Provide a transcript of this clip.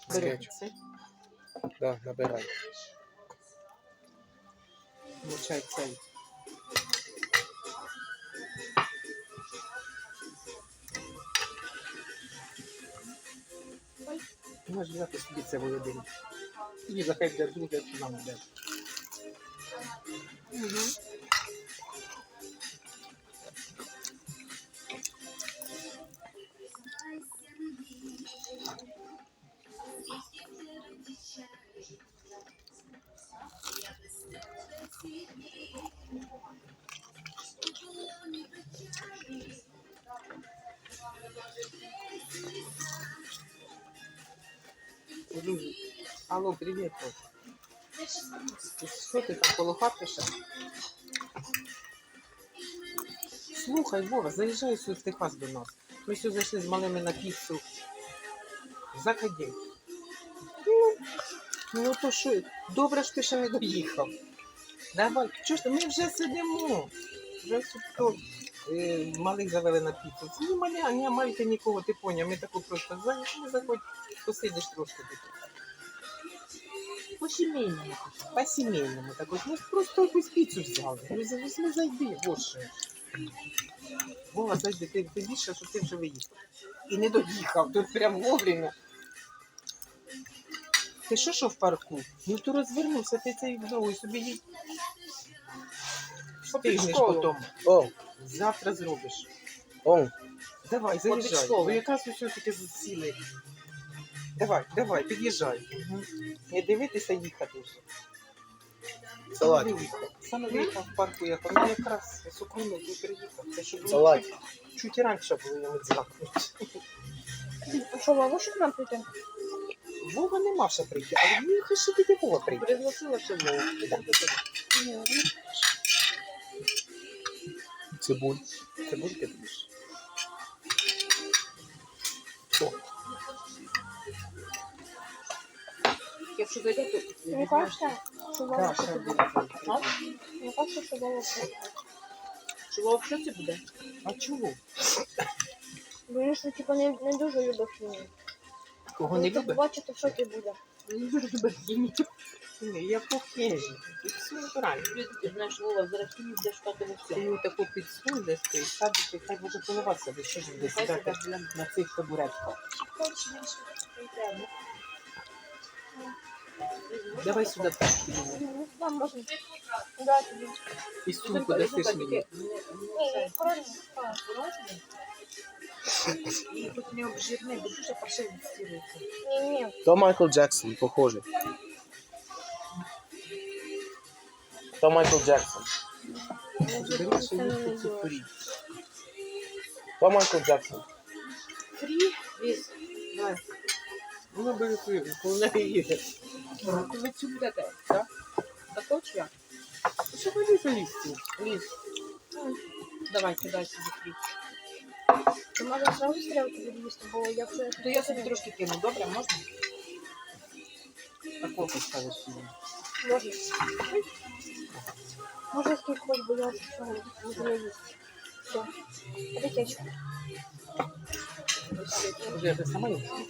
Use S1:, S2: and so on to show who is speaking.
S1: Бери
S2: Кетчуп.
S1: цей.
S2: Да, набирай.
S1: Мочай цей. Можеш взяти собі це один. І захай для друге, що нам буде. Алло, привіт. Що ти там коло хати ще? Слухай, Вова, заїжджай сюди в Техас до нас. Ми сюди зайшли з малими на піцу. Заходи. Ну то що, добре, що ти ще не доїхав. Давай, чого ж ти, ми вже сидимо. Вже тут малих завели на піцу. Це не маля, не майте нікого, ти поняв. Ми таку просто заходь, посидиш трошки тут. По-сімейному. По-сімейному. Так от ми просто якусь піцу взяли. Ну зайди, боже. Вова, зайди, ти більше, що ти вже виїхав. І не доїхав, тут прям вовремя. Ти що в парку? Ну то розвернувся, ти цей вдову собі їдь. Встигнеш потім.
S2: О,
S1: Завтра зробиш.
S2: о.
S1: Давай, заїжджай. Бо якраз все-таки засіли. Давай, під'їжджай. Не дивитися, їхати вже.
S2: Салат.
S1: Саме виїхав в парку, я там якраз сукруну не приїхав. Це щоб
S2: Салат.
S1: чуть раніше було йому дзвонити.
S3: А що, Вова, що к нам прийти?
S1: Вова не мав ще прийти, але мені хай ще тільки Вова прийти.
S3: Пригласила ще Вову.
S2: Цибуль.
S1: Цибульки будеш?
S3: Якщо зайде, то... Мені кажеться, що Вова
S1: Каша
S3: що
S1: буде.
S3: буде. Мені кажеться, що Вова буде. Що Вова в шоці буде?
S1: А чого?
S3: Бо він що, типу, не дуже любить хімію.
S1: Кого не любить?
S3: Бачите, в шокі буде.
S1: Не дуже любить хімію. Ні, я похижу. Тут все натурально.
S3: Ти знаєш, Вова, зараз хімію буде шукати во
S1: Ти
S3: всьому.
S1: його таку підсунь десь, ти садиш, хай може поливатися, десь що ж буде сідати на цих табуретках. Давай сюди так.
S3: Там можна. Да, тобі.
S1: І сумку дасиш мені.
S3: Ні, правильно.
S1: Тут не обжирне, бо дуже паршиво стілиться.
S3: Ні.
S2: То Майкл Джексон, похожий. То Майкл Джексон.
S1: Бери, що їсти цю фрі.
S2: То Майкл Джексон.
S3: Фрі віз.
S1: Давай. Ну, бери фрі, коли не їде.
S3: Ви цю будете, так? Такого чи як?
S1: Що ході залізти?
S3: Ліз. Давай, кидай собі фрі. Ти може зразу стрілки відвісти, бо якщо...
S1: То я собі трошки кину, добре, можна? Такого поставиш собі.
S3: Можна. Може скільки хоч, бо я вже не їсти. Все. Это кетчуп.
S1: Вже я сама не хочу.